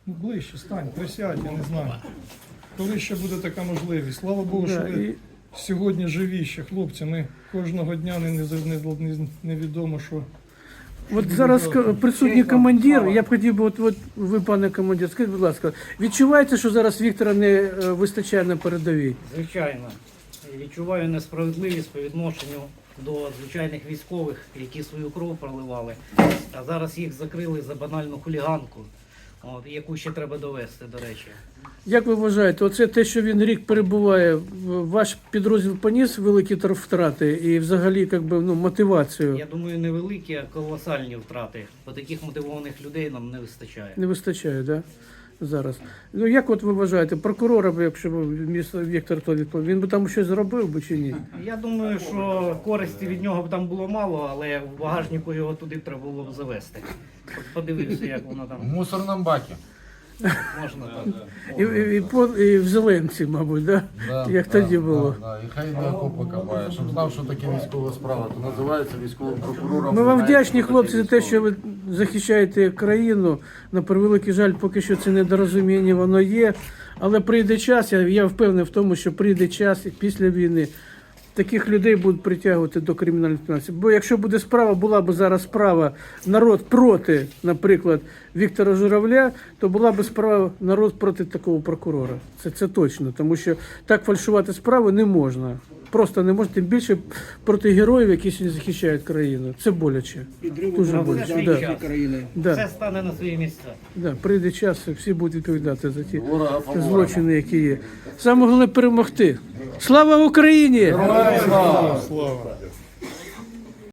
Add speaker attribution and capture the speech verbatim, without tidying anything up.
Speaker 1: Ну, ближче, стань, присядь, я не знаю. Коли ще буде така можливість? Слава Богу, що
Speaker 2: Да,
Speaker 1: ви
Speaker 2: і-
Speaker 1: сьогодні живі ще, хлопці. Ми кожного дня не, не, не, невідомо, що.
Speaker 2: От зараз к- присутній командир, я б хотів би, от, от ви, пане командир, скажіть, будь ласка, відчуваєте, що зараз Віктора не е, вистачає на передовій?
Speaker 3: Звичайно. Відчуваю несправедливість по відношенню до звичайних військових, які свою кров проливали. А зараз їх закрили за банальну хуліганку, от, яку ще треба довести, до речі.
Speaker 2: Як ви вважаєте, оце те, що він рік перебуває, в- ваш підрозділ поніс великі тр- втрати і взагалі як би, ну, мотивацію
Speaker 3: Я думаю, невеликі, а колосальні втрати. Бо таких мотивованих людей нам не вистачає.
Speaker 2: не вистачає, да? Зараз. Ну як от ви вважаєте, прокурора б, якщо б місто Віктор то відповів, він би там щось зробив би чи ні?
Speaker 3: Я думаю, що користі від нього б там було мало, але в багажнику його туди треба було б завести. От подивився, як воно
Speaker 4: В
Speaker 3: там
Speaker 4: мусорном баке.
Speaker 3: можна там.
Speaker 2: І, і, і, по- і в Зеленці, мабуть, да?
Speaker 4: Да,
Speaker 2: як
Speaker 4: да,
Speaker 2: тоді було.
Speaker 4: Да, да. І хай не окопи копає. Щоб знав, що таке військова справа, то називається військовим прокурором.
Speaker 2: Ми вам
Speaker 4: Знає,
Speaker 2: вдячні,
Speaker 4: що
Speaker 2: хлопці,
Speaker 4: таке
Speaker 2: за те,
Speaker 4: військове.
Speaker 2: що ви захищаєте країну. На превеликий жаль, поки що це недорозуміння, воно є. Але прийде час, я, я впевнений в тому, що прийде час і після війни таких людей будуть притягувати до кримінальної відповідальності. Бо якщо буде справа, була б зараз справа народ проти, наприклад, Віктора Журавля, то була б справа народ проти такого прокурора. Це, це точно, тому що так фальшувати справи не можна. Просто не можна, тим більше проти героїв, які сьогодні захищають країну. Це боляче. Дуже
Speaker 3: Це
Speaker 2: боляче.
Speaker 3: свій
Speaker 2: Да.
Speaker 3: час.
Speaker 2: Да.
Speaker 3: Все стане на свої місця.
Speaker 2: Да, прийде час, і всі будуть відповідати за ті
Speaker 4: Ворога по ворогам.
Speaker 2: злочини, які є. Саме головне перемогти. Слава Україні!
Speaker 4: Героям слава!
Speaker 1: Слава!